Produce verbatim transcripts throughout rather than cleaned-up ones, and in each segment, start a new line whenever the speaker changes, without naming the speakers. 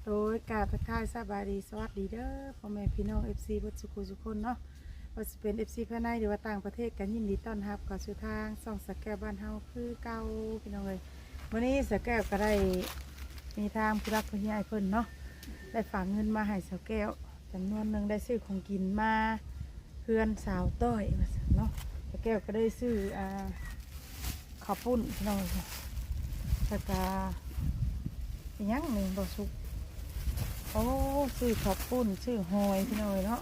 โดยการทักทายสบายดีสวัสดีเด้อพ่อแม่พี่น้อง เอฟ ซี เบิดสุขุสุขคนเนาะว่าจะเป็น เอฟ ซี ภายในหรือว่าต่างประเทศกันยินดีต้อนรับเข้าสู่ทางส่องสแกวบ้านเฮาคือเก่าพี่น้องเลยวันนี้สแกวก็ได้มีทางผู้รักผู้ใหญ่เพิ่นเนาะได้ฝากเงินมาให้สแกวจำนวนหนึ่งได้ซื้อของกินมาเพื่อนสาวต้อยมาเนาะสแกวก็ได้ซื้ออ่าข้าวปุ้นพี่น้องเลยแล้วก็เป็นยังหนึ่งบ่สุกโอ้ซื้อข้าวปุ้นซื้อหอยพี่น้อยเนาะ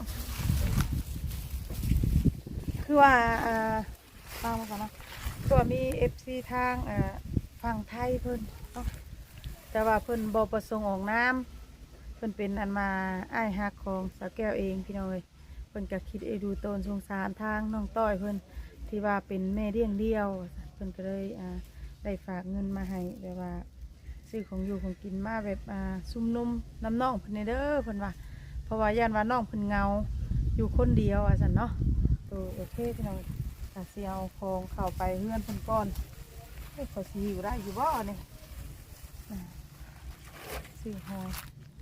คือว่าอ่าฟังมาก่อนเนาะคือว่ามีเอฟซีทางอ่าฝั่งไทยเพิ่นเนาะแต่ว่าเพิ่นบ่ประสงค์ออกน้ำเพิ่นเป็นอันมาอ้ายฮักของสาวแก้วเองพี่น้อยเพิ่นก็คิดเอดูตนสงสารทางน้องต้อยเพิ่นที่ว่าเป็นแม่เลี้ยงเดี่ยวเพิ่นก็เลยอ่าได้ฝากเงินมาให้แบบว่าซื้อของอยู่ของกินมาแบบอ่าซุ่มนุ่มน้ำน่องเพิ่นเด้อเพิ่นว่าเพราะว่าย่านว่าน้องเพิ่นเงาอยู่คนเดียวอ่ะสันเนาะตัวโอเคพี่น้องถ้าสิเอาของเข้าไปเฮือนเพิ่นก่อนเฮ้ยขอสิอยู่ได้อยู่บ่เนี่ยซื้อหอย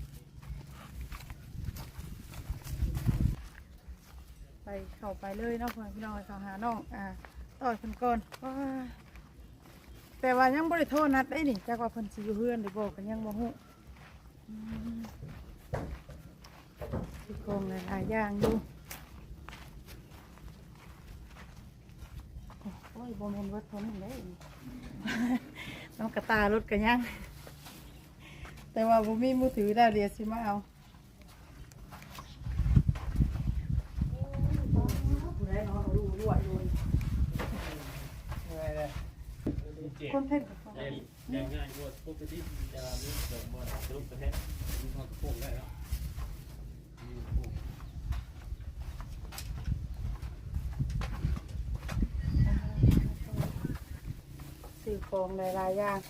ไปเข้าไปเลยเนาะพี่น้องเข้าหาน้องอ่าต่อยเพิ่นก่อนว้าแต่ว่ายังบ่ได้โทษนัดได้นี่จักว่าเพิ่นสิอยู่เฮือนหรือบ่ก็ยังบ่ฮู้สิโกงหลายๆอย่างอยู่โอ้ยบ่แม่นเบิดเท่านั้นเด้น้ำกระตารถก็ยังแต่ว่าบ่มีมือถือได้เดี๋ยวสิมาเอาผู้ใดเนาะรู้รวยอยู่คนเพ่งกับคน
ง่ายง่ายกว่าพวกที่จะมีเสริมมาสรุปประเทศมีความโค้งได้แล้ว
สื่อของหลายๆอย่าง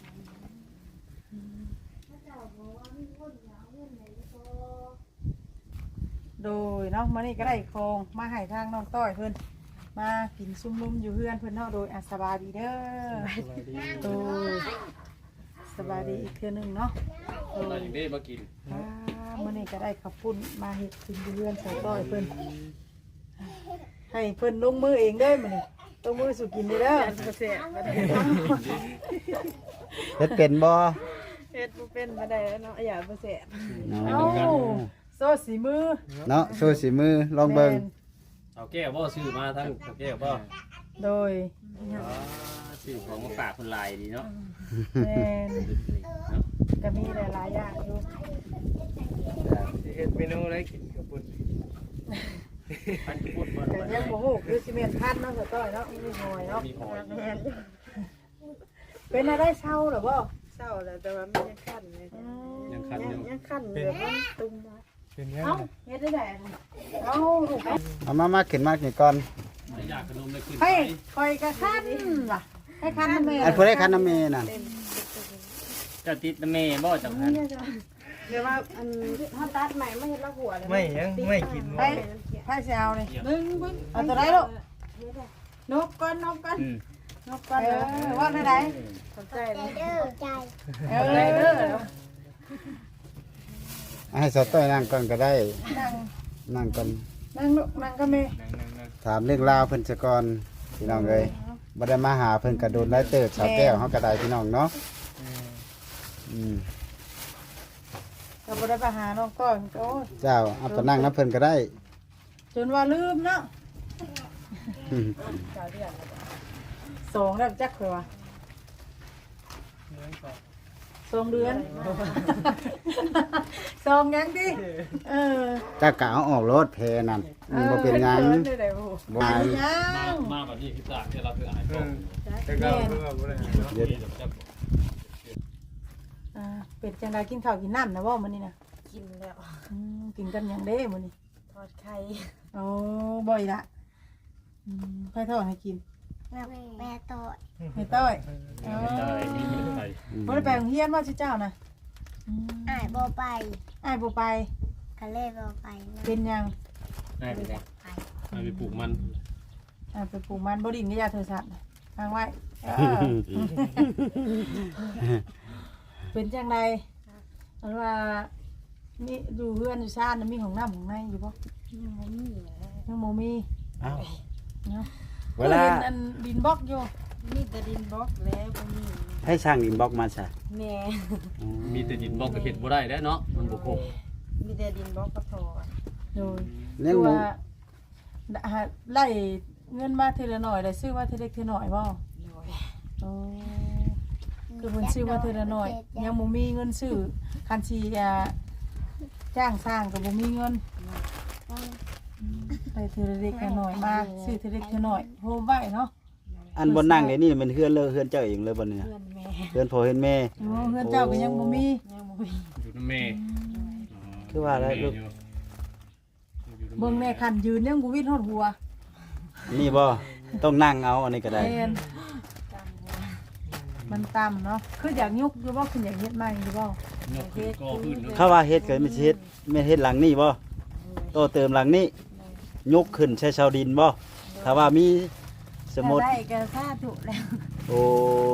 โดยเนาะมานี่ก็ได้โครงมาให้ทางน้องต้อยเพิ่นมากินซุ่มนุ่มอยู่เพื่อนเพิ่นเนาะโดยอาสบายดีเด้อโดยสบายดีอีกเทื่อนึงเนาะโดย
อย่างนี้มากิน
มานี่ก็ได้ขับปุ่นมาเห็ดกินอยู่เพื่อนใส่ต้อยเพิ่นให้เพิ่นลงมือเองได้มานี่ลงมือสู่กินเด้อ
เฮ็ดเป็นบ่
เฮ็ดบ่เป็นบ่ได้เนาะอย่าบ่แซ่บ
เนาะ
เอ้าโซ่สีมือ
เนาะโชว์สีมือลองเบิ่ง
เอาแก้วบ่ซื้อมาทั้งแก้วบ่
โดย
ซื้อของมาฝากคนลายดีเนาะ
แม่นก็มีหลายๆอย่างอยู่
เฮ็ดเมนูอะไรกินกับปุ่น
พันพูดบ่
แต่ยังบ่ฮู้คือสิแม่นพันเนาะสต้อยเนาะมีหอยเนาะ
มีหอย
เป็นอะไรเศร้าหรอบ่
เศร้าแล้วแต่ว่าไม่ยังขั้นเลย
ยังคันอยู่
ยังขั้นแบบมันตุ้มมา
เป็นยัง
เอ้าเฮ็ดได้ไดเอ้าลูก
เอามามาขึ้นมานี่ก่อน
อยากขนมเลยขึ้น
ให้คอยกระคันว่ะให้คันแม่
อันผู้ใดคันน้ำเมนั่น
จะติดเมย์บ่จังหัน
เดี๋ยวว่าอันถ้าตัดใหม่ไม่เห็นละหัวเลย
ไม่ยังไม่กิน
ให้ให้สิเอานี่บึ้งบึ้งเอาตัวใดลูกนกก่อนนกก่อนนกก่อนเออว่าได้ได
สนใจเลย
เออได้เด้อ
ให้สาวต้อยนั่งก่อนก็ได้
นั่ง
นั่งก่อน
นั่งลูกนั่งก็แม่
ถามเรื่องราวเพิ่นซะก่อนพี่น้องเอ้ยบ่ได้มาหาเพิ่นก็โดนไล่เติบสาวแก้วเฮาก็ได้พี่น้องเนาะอืม
ก็บ่ได้ไปหาน้องก้อนโอ้ย
เจ้าเอาไปนั่งนํเพิ่นก็ได้
จนว่าลืมเนาะ
อืม
สองแล้วจักคือว่าสองเดือนสองยังดิเออ
เจ้ากะเอาออกรถเพนั่นมันบ่เป็นหยัง
ได้ได้บ่
บ่
ยั
มาง มาแบบนี้พิซซ่าที่เราคืออาหารก็
แต่ก็เพื่อบ่ได้
เดี๋ยวจะ
อ่าเป็นจังไดกินข้าวกินน้ำนะบ่มื้อนี้น่ะ
กินแล้ว
อืมกินกันหยังเด้มื้อนี้
ทอดไข่
โอ้บ่อยละอืมไผทอดให้กิน
แม่แม่ต่อย
ให้ต้อยเอ
ได้
อ
นี่ใส่
บ่ได้ไปโรงเรียนว่าสิเจ้าน่ะอืม
อ้ายบ่ไป
อ้ายบ่ไป
ก็เลยบ่ไปนะ
เป็นหยัง
ได้ไป
ไป
ไปปลูกมัน
อ้ายไปปลูกมันบ่ดินกับยาโทรศัพท์น่ะทางไว้เออเป็นจังไดมันว่านี่อยู่เฮือนอยู่ซ่านน่ะมีของน้ำของในอยู่บ่
ยังบ่มีแหละ
ยังบ่มี
เอ้า
เนาะ
เวลา
ห็นอันดินบล็อกอยู่
มีแต่ดินบล็อกแล้วบ่มี
ให้สร้างดินบล็อกมาซะ
แม่
มีแต่ดินบอกก็เห็นบ่ได้แล้วเนาะมันบ่ครบ
มีแต่ดินบล็อกก็พอ
โดย
เลี้ยง
คือ
หมู
ว่าหาไล่เงินมาทีละหน่อยได้ซื้อว่าทีเล็กทีหน่อยบ่
โดย
โอ้คือเพิ่นซื้อว่าทีละหน่อย ยังบ่มีเงินซื้อคันสิอ่าจ้างสร้างก็บ่มีเงินไปทีละเล็กทีละหน่อยมาซื้อทีเล็กทีละหน่อยโฮมไว้เนาะ
อันบนนั่งเนี่ยนี่มันเฮือนเลยเฮือนเจ้าเองเลยบ่เนี่ย
เพื่อนแม่
เฮือนพ่อเฮือนแม่
โอ้เฮือนเจ้าก็ยังบ่มี
ยังบ่มี
อยู่นำแม่
คือว่าอะไรลูก
เบิ่งแม่คันยืนยังบ่วิดฮอดหัว
นี่บ่ต้องนั่งเอาอันนี้ก็ได้
แม่นมันต่ำเนาะคืออยากยุกอยู่บ่คืออยากเฮ็ดใหม่อยู่บ่
ยกขึ้นก่อขึ้นเนาะ
เขาว่าเฮ็ดก็ไม่ใช่เฮ็ดไม่เฮ็ดหลังนี่บ่โตเติมหลังนี้ยกขึ้นใช้ชาวดินบ่ถ้าว่ามีสมมุติ
ได้ก็สาธุแล้ว
โอ้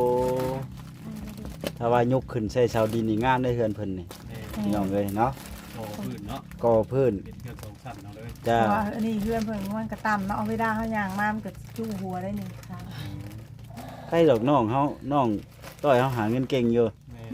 ถ้าว่ายกขึ้นใช้ชาวดินนี่งามได้เฮือนเพิ่นนี่พี่น้องเอ้ยเนาะ
ก่อขึ้นเนาะ
ก่อพื้น
เป็นเพื่อนสองชั้นเนาะเลย
จ้า
ว่าอันนี้เฮือนเพิ่นมันก็ต่ำเนาะเอาเวลาเฮาย่างมามันก็จู้หัวได้นี่ค่ะ
ใครดอกน้องเฮาน้องต้อยเฮาหาเงินเก่งอยู่
แม่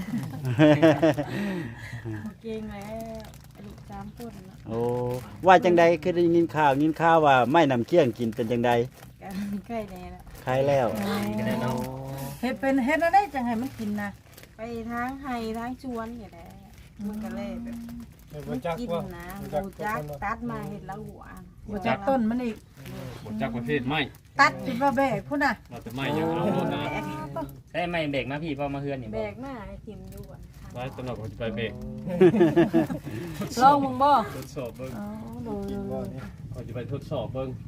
เก่งแล้วลูกสามคนเนาะ
โอ้ว่าจังใดคือได้ยินข่าวยินข่าวว่าไม่นำเกี้ยงกินเป็นจังใด
ก็ใกล้แน่ละ
คล้ายแล้ว
ก็ได้เนาะ
เฮ็ดเป็นเฮ็ดแล้วได้จังให้มันกินนะ
ไปทางไห้ทางชวนอย่างนี้มันก็เลยแบบ
บ่จัก
กิน
ว่า
นะบูจักตัดมาเห็ดละหัว
บ่จักต้นมันอีก
บ่จักประเภทไม้
ตัดจนว่าแบกพุ่นน่ะ
เราจะไม้ยังเอาโลดนะ
แบก
ใช่ไม่เบรกมาพี่พอมาเฮือนนี่
แบ
บ่
กมาให้ทิมอยู่อ่ะ
ไว้ตลอดผมจะไปเบรก
ลองมึงบ่
ทดสอบเบิ่ง
อ๋อดู
บ่นี่
เขาจะไปทดสอบเบิ่ง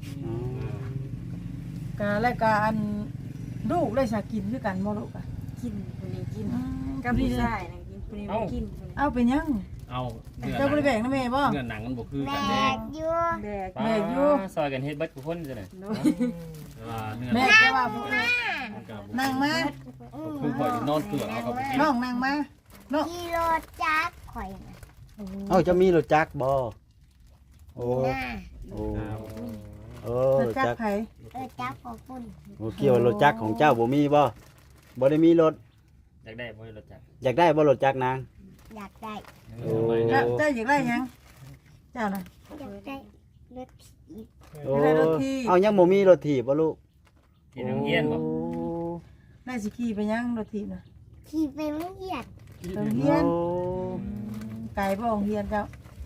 กะแล้วก็อันลูกได้สากินคือกันบ่ลูกอ่ะ
กินคนนี้กิน
กั
กั
บบ นี่
พี่
นะ
ชายนะกินคนนี้บ่กินคนนี้
เอาไปยัง
เอาเนื้อห
เจ้าบ่ได้แบ
นัง
กนะแม่บ่
เนื้อหนังมันบ่คือ
แบ
กันแน่
กอยู่
แบก
แบกอยู่
ซอยกันเฮ็ดเบิดทุกคนจังได๋
โดย
อ่าเนื้อ
แม่แต่ว่าบ่
มันก็บ่
นั่งมา
คือข่อยนอนเกลือเอากับบ่กิน
น้องนั่งมาน้อง
กิโลจักข่อยนะ
เอ้าจะมีรถจักรบ่โอ้
หน้า
โอ้โอ้
จะ
รถ
จัก
จักร
ไผ
เออจักของคุณ
โอ้เกี่ยวรถจักรของเจ้าบ่มีบ่บ่ได้มีรถ
อยากได้บ่รถจักร
อยากได้บ่รถจักรนาง
อยากได้
โอ้
แล้วเจ้าอยากได้หยังเจ้าน่ะ
อยากได้รถอีก
โอ้
อยากได้รถถีบ
เอายังบ่มีรถถีบบ่ลูก
ที่โรงเรียนบ่
โอ้
ได้สิขี่ไปยังรถถีบน่ะ
ขี่ไปไม่เหยียด
โรงเรียน
โอ้
ไกลบ่โรงเรียนเจ้า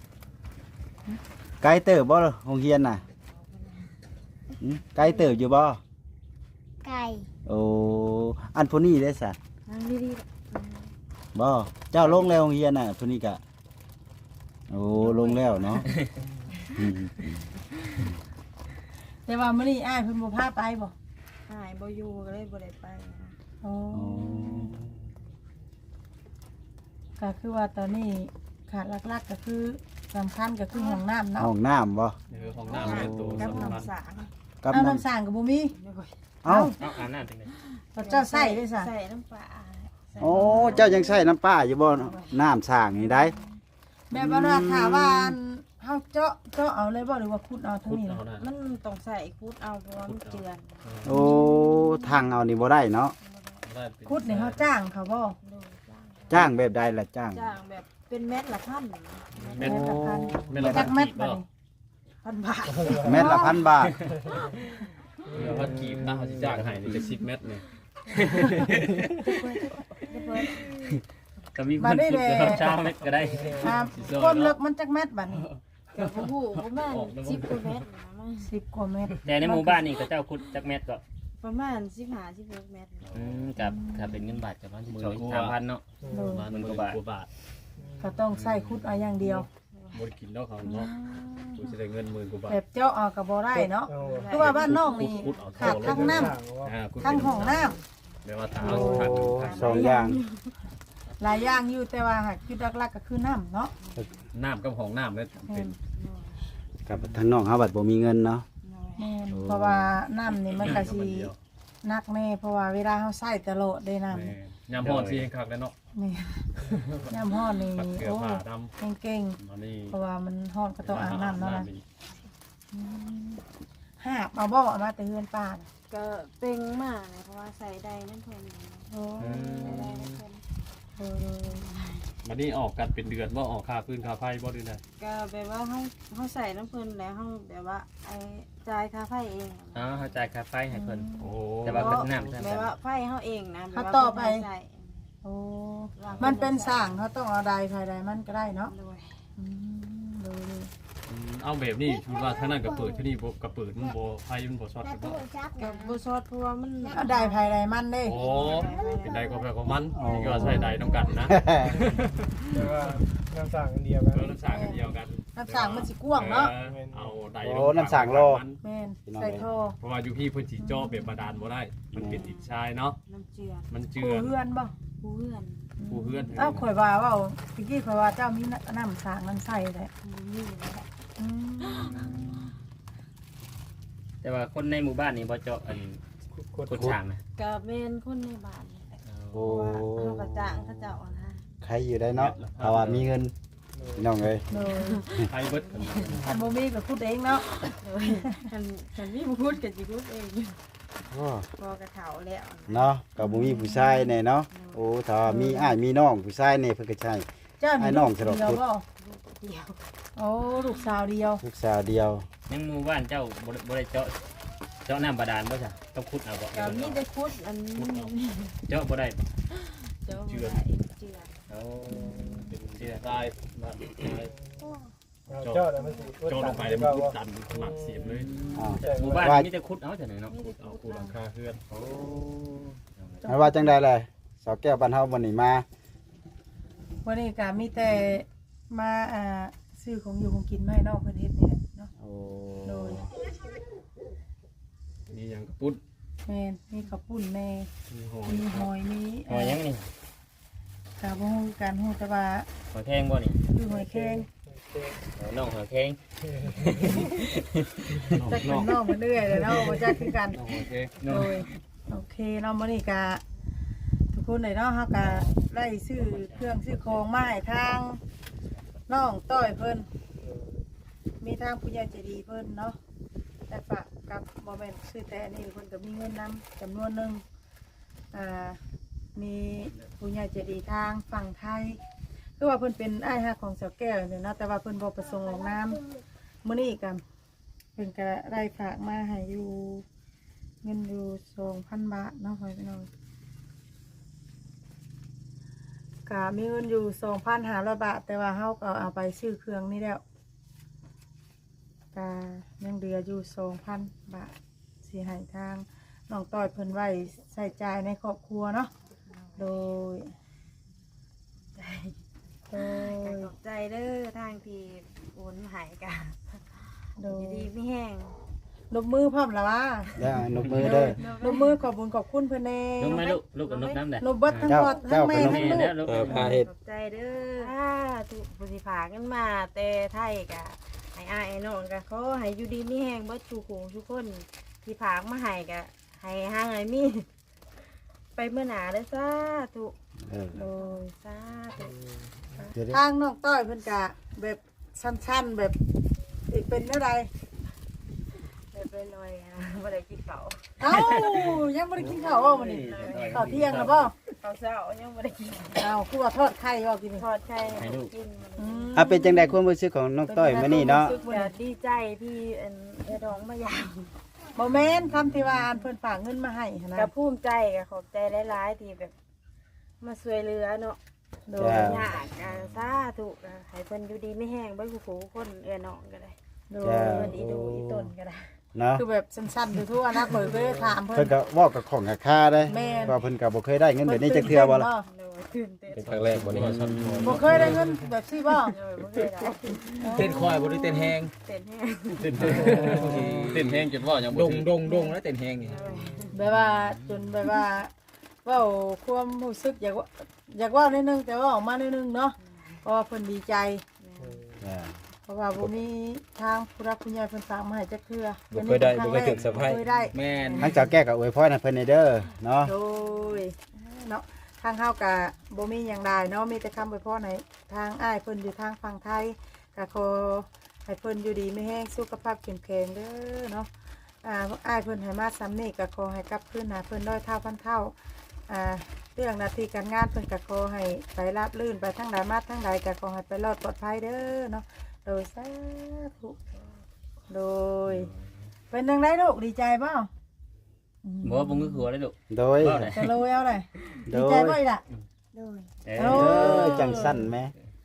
ไกลเติบบ่โรงเรียนน่ะหึไกลเติบอยู่บ่
ไก่
โอ้อันผู้นี้ได้ซะ
นั่งดี
บ่เจ้าลงแล้วโรงเรียนน่ะผู้นี้ก็โอ้ลงแล้วเนาะอืม
แต่ว่ามื้อนี้อ้ายเพิ่นบ่พาไปบ่
ๆหายบ่อยู่ก็เลยบ่ได้ไปนะ
โอ้
โอ้
ก็คือว่าตอนนี้ขาดหลักๆก็คือสำคัญก็คือห้องน้ำเนาะ
ห้องน้ำบ่
เออของน้ำเป็นตัว
กับ
สำคัญ
น้ำสาง
กับ
เอา
น้
น้ำสร้างก็บ่มี
ำเอ้า
เอาอาบน้ำจังได๋
แล้วเจ้าใส่ได้ซะ
ใส่น้ำปลาใส่
โอ้เจ้ายังใช้น้ำป้าอยู่บ่น้ำสร้างนี่ได้
แบบว่าถ้าว่าเฮาเจาะเจาะเอาเลยบ่หรือว่าขุดเอาทั้ง
พุทธ
นี้
เอา
ล่ะ
นะ
มันต้องใส่คูดเอาเพราะว่ามันเจือน
โอ้ทางเอานี่บ่ได้เนาะ
ได้เป็น
ขุดนี่เฮาจ้างเขาบ่
โดยจ้าง
จ้างแบบใดล่ะจ้าง
จ้างแบบเป็นเม็ดละพัน
เม็ด
ละพัน
เม็ดละ
จักเม็ด
บ่
บัดนี้
พันบาท
เม็ดละพันบาท
เม็ดละพันกีบนะเขาสิจ้างให้นี่จะสิบเม็ดนี่
ก็มีคนพูดกับชาวเม็ดก็ได้
ครับความลึกมันจักเม็ดบัดนี้
กับผู้ประมาณสิบกว่าเม็ดนะมั้ง
สิบกว่าเม็ด
แต่ในหมู่บ้านนี่ก็เจ้าขุดจักเม็ดก็
ประมาณสิบห้าสิบหกเม็ด
อืมกับถ้าเป็นเงินบาทก็ประมาณสิบสองสามพันเนาะ
โดย
ประมาณหมื่นกว่าบาท
ก็ต้องใส่ขุดเอาอย่างเดียว
บ่ได้กินแล้วเขาเนาะกูสิได้เงินหมื่นกว่าบาท
แบบเจาะเอาก็บ่ได้เนาะ
เอา
คือว่าบ้านน้องนี่ขาดทั้งน้ำ
อ่าคุณ
ทั้งห้องน้ำ
แม่ว่าทาง
โอ้
ทาง
สองอย่าง
หลายอย่างอยู่แต่ว่าหากจุดหลักๆก็คือน้ำเนาะ
น้ำกับของน้ำเนี่ยเป็น
กับทางน้องเฮาบัดบ่มีเงินเนาะ
แม่นเพราะว่าน้ำนี่มันก็สิหนักแน่เพราะว่าเวลาเฮาใช้ตลอดได้น้ำ
แม่ยามฮ้อนสิคักแล้วเนาะ
นี่ยามฮ้อนนี่
ปัดเกลือ
โอ้
ผ้าดำ
เก่ง
มานี่
ๆเพราะว่ามันฮ้อนก็ต้องอาบน้ำเนาะนะ
อีก
อืมหาบเอาบ่เอามาแต่เฮือนป้าน่ะ
ก็เป่งมากเลยเพราะว่าใส่ได้นั่นเพิ่น
โอ้
ใส่ได้นั่นเพิ่น
เออ
มานี่ออกกันเป็นเดือนบ่ออกค่าพื้นค่าไฟบ่ด้วยนะ
ก็แบบว่าเฮาเฮาใส่น้ำเพิ่นแล้วเฮาแบบว่าไอ้จ่ายค่าไฟเอง
อ๋อเข้าใจค่าไฟให้เพิ่น
โอ้
แต่ว่าเป็นน้ำใช่ไหม
แบบว่าไฟเฮาเองนะแบบ
เขา
ว่า
ต่อไป
ใส่
โอ้มันเป็นสร้างเขาต้องเอาใดภายใดมันก็ได้เนาะ
ด้วย
อืมดูดิ
อืมเอาแบบนี้คือว่าทางนั้นก็เปิดที่นี่บ่ก็เปิดมันบ่ไฟมันบ่ช็อต
แล้
กั
วน
บ่
ตู้ชัก
ก็
นะ
บ่ชดเพราะว่ามัน
เอาใดภายใดมันเด้
โอ้เป็นใดก็แบบของมันนี่ก็ใช้ใดนำกันนะ
แต่ว่าน้ำสั่งอันเดียวกัน
เราน้ำสางกันเดียวกัน
น้ำสร้างมันสิกว้างเนาะ
ออเอาใด
โอ้น้ำสางโล
แม่นใส่ท่อ
เพราะว่าอยู่พี่เพิ่นสิเจาะแบบบาดาลบ่ได้ มันเป็นดินทรายเนาะ
น้ำเจือ
มันเจื
ปู
อ
เฮือนบ่
ผู้เพื่อน
ผู้เฮือน
เอ้าข่อยว่าเว่าตะกี้ข่อยว่าเจ้ามีน้ำสร้างน้ำใส่แหละ
ผู้นี่แหละ
อืม
แต่ว่าคนในหมู่บ้านนี่บ่เจาะอัน
กด
คนช่างนะ
ก็เป็นคนในบ้านนี่แหละ
โอ้
เพราะว่าเฮาก็จ้างเขาเจ้าอะนะ
ใครอยู่ได้เนาะถ้าว่ามีเงินพี่น้องเอ้ย
โดย
ไฟเบิด
อันบ่มีก็พูดเองเนาะ
เลยคันคันมีผู้พูดก็สิพูดเอง
โอ้
พอกระเถาแล้วนะ
เนาะก็บ่มีผู้ชายแน่เนาะโอ้ถ้าว่ามีอ้ายมีน้องผู้ชายแน่เพิ่นก็ใช่
เจ้ามี
ไอ้น้
ลู
อง
ก
สะดอก
เดียว
พุทธ
บ่
เดียว
โอ้ลูกสาวเดียว
ลูกสาวเดียว
ยังหมู่บ้านเจ้าบ่ได้บ่ได้เจาะเจาะน้ำบาดาลบ่จ้ะต้องขุดเอาบ่
ก็มีแต่พูดอันนี้
เจาะบ่ได้บ่
เจ้าบ่ได้เจือ
เอา
เป็นเจือทรายมาทราย
เอาเจ้าแล้วมันสิ
โจลงไปแล้วมันพุดดันหมักเสียบเลย
อ้าว
หมู่บ้านนี่มีแต่ขุดเอาจ้ะเนาะ
มีแต่
เอา
พู
คู
ด
หลังคาเฮือน
โอ้
ไม่ว่าจังใดเลยสาวแก้วบ้านเฮาวันนี้มา
วันนี้ก็มีแต่มาอ่าซื้อของอยู่ของกินมาให้น้องเพิ่นเฮ็ดนี่แหละเนาะ
โอ้
โดย
นี่ยังกระปุด
แม่นมีข้าวปุ้นแม่
มีหอย
มีหอยมี
หอยยังนี่
กะบ่ฮู้การฮู้แต่ว่า
หอยแข้งบ่นี่
คือหอยแครง
เอาน้องหอยแข้ง
จักเป็นน้องมาเรื่อยเลยเนาะบ่จักคือกัน
โอเค
โดยโอเคเนาะมื้อนี้ก็ทุกคนเลยเนาะเฮาก็ได้ซื้อเครื่องซื้อของมาให้ทางน้องต้อยเพิ่นมีทางผู้ใหญ่ใจดีเพิ่นเนาะแต่ฝากกับบ่แม่นซื้อแต่อันนี้เพิ่นก็มีเงินนำจำนวนหนึงอ่ามีผู้ใหญ่ใจดีทางฝั่งไทยคือว่าเพิ่นเป็นอ้ายฮักของสาวแก้วนี่เนาะแต่ว่าเพิ่นบ่ประสงค์ออกนามมื้อนี้ก็เพิ่นก็ได้ฝากมาให้อยู่เงินอยู่ สองพัน บาทเนาะพ่อพี่น้องก็มีเงินอยู่ สองพันห้าร้อย บาท แต่ว่าเฮาก็เอาไปซื้อเครื่องนี่แล้วก็ยังเหลืออยู่ สองพัน บาทสิให้ทางน้องต้อยเพิ่นไว้ใช้จ่ายในครอบครัวเนาะโดยโดย
ขอบใจเด้อทางที่โอนมาใหายกัน
โด
อย ยู่ดีไม่แห้ง
นบมือพร้อมแล้วว่า
แล้วนกมือเด้อน
บมือขอบคุญขอบคุณเพิ่นแน่
ลูกไหมลูกลูกกับนกน้ำแดด
นบเบิดทั้งหมดทั้งแม่ทั้งลูก
ลูก
เออพาเฮ็ด
ขอบใจเด้อถ้าถูกผู้สิผากันมาแต่ไทยกะให้อ้ายให้น้องกะเขาให้อยู่ดีไม่แห้งเบิดทุกหูทุกคนที่ผากมาให้กะให้ห่างให้มี ไปเมื่อหนาเด้อสาธุ
เออ
โดย
สาธุ
เดี๋ยว
ทางน้องต้อยเพิ่นกะแบบสั้นๆแบบอีกเป็นเท่าใด
เรียบร้อยๆนะบ่ได้กินข้าว
เอ้ายังบ่ได้กินข้าวบ่มื้อนี้ข้าวเที่ยงแล้วบ่
ข้าวเช้ายังบ่ได้กิน
เอ้าคือว่าทอดไข่บ่กินนี่
ทอดไข่ให้ลูกกินมัน
อืม
อ่ะเป็นจังได๋ความรู้สึกของน้องต้อยมื้อนี้เนาะ
ก็ดีใจที่อันเอ้ดองมายาม
บ่แม่นคำที่ว่าอันเพิ่นฝากเงินมาให้หั้นนะ
ก็ภูมิใจก็ขอบใจหลายๆที่แบบ มาช่วยเหลือเนาะ
โด
จ้
ย
ยากอ่ะสาธุอ่ะให้เพิ่นอยู่ดีไม่แห้งเบ่ผู้ผู้คนเอื้อน้องก็ได้
โด
จ้า
ย
เพิ่นอีดูอีต้นก็ได้
เนาะ
คือแบบสั้นๆทั่วๆนะข่อยก็เลยถามเพิ่
เพิ่
น
นก็เว้ากับของกับค่าได้
แม่น
ว่าเพิ่นก็บ่เคยได้เงินแบบนี้จักเทื่อบ่ล่ะ
โดยตื่นเต้น
เป็นครั้งแรกวันนี้ชั้นหอย
บ่เคยได้เงินแบบซี่บ่
โดยบ่เคยได้
เต้นคอยบ่ได้เต้นแฮง
เต้นแห้ง
เต้นแห้งเต้นแห้งจนว่ายัง
ด
บ่
ง
ถึง
ดงดงแล้วเต้นแฮงนี่
แบบว่าจนแบบว่าเว้าความรู้สึกอยากว่าอยากเว้านิดนึงแต่ว่าออกมานิดนึงเนาะเพราะว่าเพิ่นดีใจ
จ้า
เพราะว่าบ่มีทางผู้รักผู้ใหญ่เพิ่นฝากมาให้จักเทื่อ
บ่เคยได้บ่เคยถึกสะพาย
เคยได้
แม่น
ทั้งเจ้าแก้วก็อวยพรให้เพิ่นให้เด้อเนาะ
โดยเนาะทางเฮากะบ่มีหยังได้เนาะมีแต่คำอวยพรให้ทางอ้ายเพิ่นอยู่ทางฝั่งไทยก็ขอให้เพิ่นอยู่ดีไม่แห้งสุขภาพเข้มแข็งเด้อเนาะอ่าอ้ายเพิ่นให้มาซ้ำนี่ก็ขอให้กลับคืนหาเพิ่นร้อยเท่าพันเท่าอ่าเรื่องหน้าที่การงานเพิ่นก็ขอให้ไปราบรื่นไปทั้งใดมาทั้งใดก็ขอให้ไปรอดปลอดภัยเด้อเนาะโดยสาธุโดยเป็นจังไดลูกดีใจบ่
บ่บ่งือหัวเลยลูก
โดย
เว้าได้
จะโลยเอาเลย
โด
ดี
ย
ใจบ่อีกล่ะ
โดย
เอ
โอ้
อ
เออจังสั้นไหม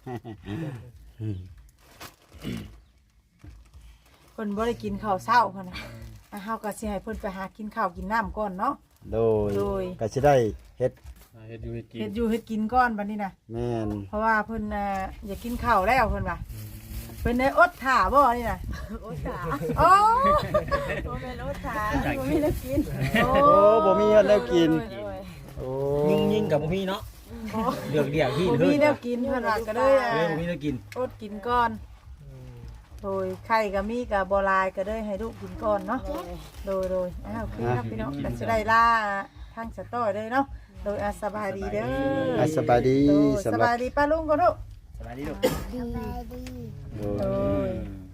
เพิ่นบ่ได้กินข้าวเช้าพุ่นน่ะอ่ะเฮาก็สิให้เพิ่นไปหากินข้าวกินน้ำก่อนเนาะ
โดย
โดย
ก็สิได้เฮ็ด
เฮ็ดอยู่เฮ็ดกิน
เฮ็ดอยู่เฮ็ดกินก่อนบัดนี้น่ะ
แม่น
เพราะว่าเพิ่นน่ะอยากกินข้าวแล้วเพิ่นว่าเพิ่นได้อดท่าบ่นี่น่ะ
โอ้ขา
โอ้
โอ้เป็นโอ้ขาบ่มีแล้วกิน
โอ้
โอ้บ่มีเฮ็ดแล้วกิน
โดย
โอ้
ยิงยิงกับบ่มีเนาะเลือกเรียกที่
บ่
เฮ้
มี
ย
แนวกินเพิ่นว่าก็เลยอ่ะ
เออบ่มีแล้วกิน
อดกินก่อนโดยไข่ก็มีก็บ่หลายก็เลยให้ลูกกินก่อนเนาะ โดยโดยอ้าวโอเคครับพี่น้องกันจะได้ล่าทางสตอเลยเนาะโดยอาสบายดีเด้อ
อ่ะสบายดี
โดย
สำ
ส
หรับบ
ายดีป้าลุงก็ลูก
สบายดีลูก
สบายดี
โด
โด
ย
ย